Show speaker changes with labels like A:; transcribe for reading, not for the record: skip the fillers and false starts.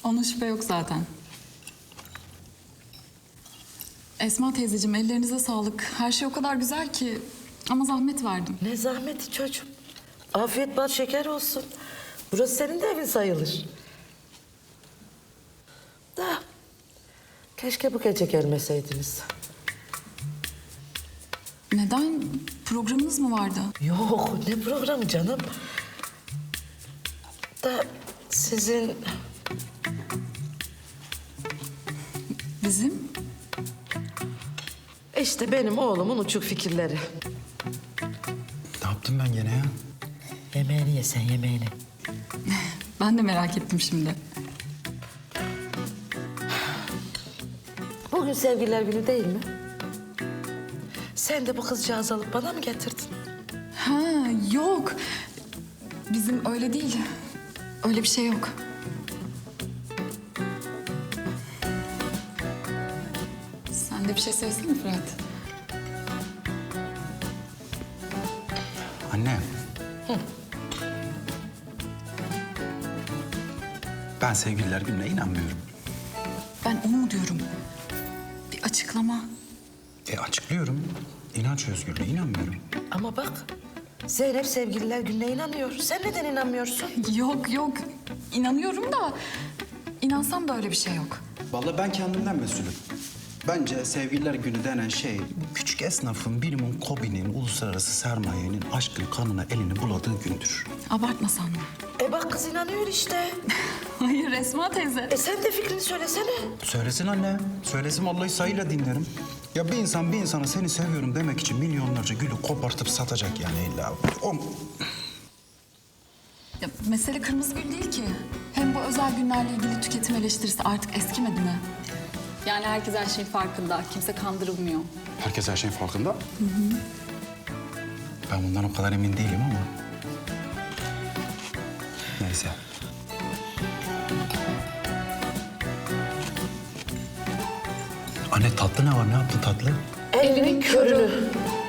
A: Onun şüphe yok zaten. Esma teyzeciğim ellerinize sağlık. Her şey o kadar güzel ki. Ama zahmet verdim.
B: Ne zahmeti çocuğum. Afiyet bal şeker olsun. Burası senin de evin sayılır. Da keşke bu gece gelmeseydiniz.
A: Neden? Programınız mı vardı?
B: Yok, ne programı canım. Da sizin...
A: Bizim?
B: İşte benim oğlumun uçuk fikirleri.
C: Ne yaptım ben gene ya?
B: Yemeğini ye sen, yemeğini.
A: Ben de merak ettim şimdi.
B: Bugün sevgililer günü değil mi? Sen de bu kızcağızı alıp bana mı getirdin?
A: Ha yok. Bizim öyle değil. Öyle bir şey yok. Sen de bir şey söylesene Fırat.
C: Anne. Ben sevgililer gününe inanmıyorum.
A: Ben onu mu diyorum? Bir açıklama.
C: Açıklıyorum. İnanç özgürlüğü inanmıyorum.
B: Ama bak, Zeynep sevgililer gününe inanıyor. Sen neden inanmıyorsun?
A: Yok. İnanıyorum da inansam da öyle bir şey yok.
C: Vallahi ben kendimden mesulüm. Bence sevgililer günü denen şey küçük esnafın, birimin, KOBİ'nin, uluslararası sermayenin aşkın kanına elini buladığı gündür.
A: Abartmasan mı?
B: Bak kız inanıyor işte.
A: Hayır Esma teyze.
B: Sen de fikrini söylesene.
C: Söylesin anne. Söylesin vallahi sayıyla dinlerim. Ya bir insan bir insana seni seviyorum demek için milyonlarca gülü kopartıp satacak yani illa.
A: Ya, mesele kırmızı gül değil ki. Hem bu özel günlerle ilgili tüketim eleştirisi artık eskimedi mi? Yani herkes her şeyin farkında. Kimse kandırılmıyor.
C: Herkes her şeyin farkında. Hı. Ben bundan o kadar emin değilim ama. Neyse. Anne tatlı ne var? Ne yaptın tatlı?
B: Elinin körünü.